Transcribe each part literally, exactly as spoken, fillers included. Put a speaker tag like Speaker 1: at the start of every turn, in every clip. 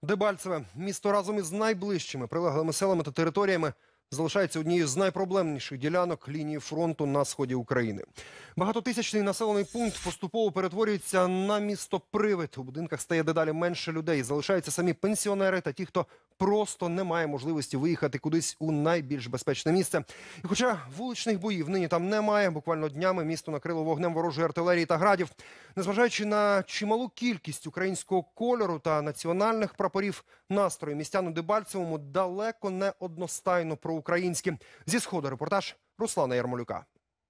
Speaker 1: Дебальцеве місто разом із найближчими прилеглими селами та територіями залишається однією з найпроблемніших ділянок лінії фронту на сході України. Багатотисячний населений пункт поступово перетворюється на місто-привид. У будинках стає дедалі менше людей. Залишаються самі пенсіонери та ті, хто просто не має можливості виїхати кудись у найбільш безпечне місце. І хоча вуличних боїв нині там немає, буквально днями місто накрило вогнем ворожої артилерії та градів. Незважаючи на чималу кількість українського кольору та національних прапорів, настрої містян у Дебальцевому далеко не одностайно проукраїнські. Зі Сходу репортаж Руслана Ярмолюка.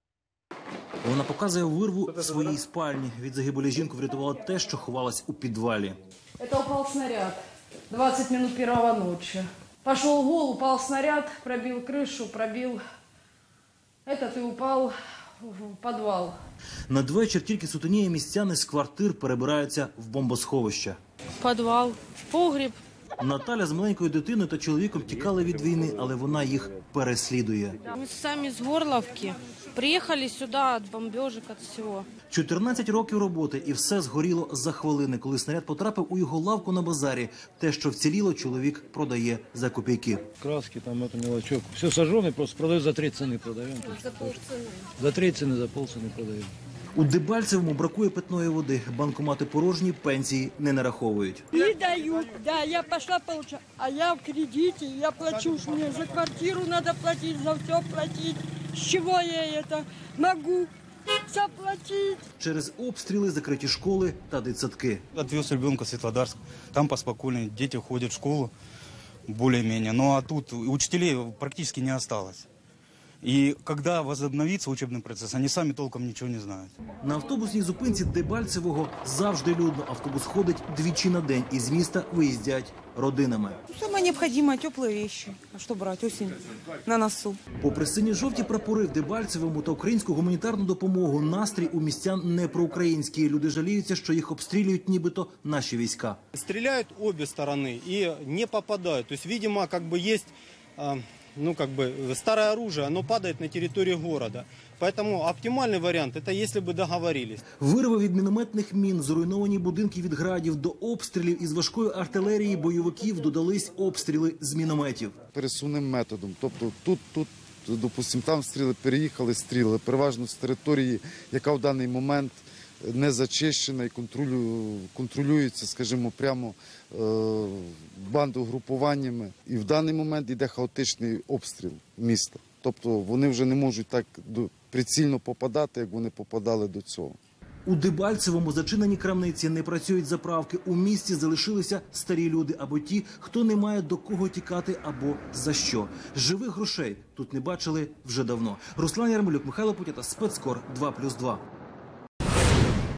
Speaker 2: Вона показує вирву в своїй спальні. Від загибелі жінку врятувало те, що ховалась у підвалі.
Speaker 3: Це упав снаряд. двадцать минут первого ночи. Пошел гол, упал снаряд, пробил крышу, пробил этот и упал в подвал.
Speaker 2: Надвечір тільки сутеніє, містяни з квартир перебираються в бомбосховище.
Speaker 4: Подвал, погріб.
Speaker 2: Наталя з маленькою дитиною та чоловіком тікали від війни, але вона їх переслідує.
Speaker 4: Ми самі з Горловки. Приїхали сюди від бомбежок, від всього.
Speaker 2: чотирнадцять років роботи і все згоріло за хвилини, коли снаряд потрапив у його лавку на базарі. Те, що вціліло, чоловік продає за копійки.
Speaker 5: Краски, там это мелочок. Все сожженное, просто продаю за три цены продаем.
Speaker 4: За полціни.
Speaker 5: За три цены, за полцены продаем.
Speaker 2: У Дебальцевому бракує питної води. Банкомати порожні, пенсії не нараховують.
Speaker 6: Не дают, да, я пошла получать, а я в кредите, я плачу, ж мне за квартиру надо платить, за все платить. С чего я это могу заплатить?
Speaker 2: Через обстріли закриті школи та дитсадки.
Speaker 7: Отвез ребенка в Светлодарск, там поспокойнее, дети ходят в школу более-менее. Ну а тут учителей практически не осталось. И когда возобновится учебный процесс, они сами толком ничего не знают.
Speaker 2: На автобусній зупинці Дебальцевого завжди людно. Автобус ходить двічі на день. Із міста виїздять родинами.
Speaker 8: Самое необходимое – теплые вещи. А что брать? Осень на носу.
Speaker 2: Попри сині-жовті прапори в Дебальцевому та українську гуманітарну допомогу, настрій у містян не проукраїнський. Люди жаліються, що їх обстрілюють нібито наші війська.
Speaker 9: Стреляют обе стороны и не попадают. То есть, видимо, как бы есть... ну, как бы, старое оружие, оно падает на территории города. Поэтому оптимальный вариант – это если бы договорились.
Speaker 2: Вирви від мінометних мін, зруйновані будинки від градів, до обстрілів із важкої артилерії бойовиків додались обстріли з мінометів.
Speaker 10: Пересувним методом. Тобто тут, тут, допустимо, там стріли, переїхали, стріли. Переважно з території, яка в даний момент не зачищена і контролюється, скажімо, прямо бандугрупуваннями. І в даний момент йде хаотичний обстріл міста. Тобто вони вже не можуть так прицільно попадати, як вони попадали до цього.
Speaker 2: У Дебальцевому зачинені крамниці, не працюють заправки. У місті залишилися старі люди або ті, хто не має до кого тікати або за що. Живих грошей тут не бачили вже давно. Руслан Ярмолюк, Михайло Путята, Спецкор, два плюс два.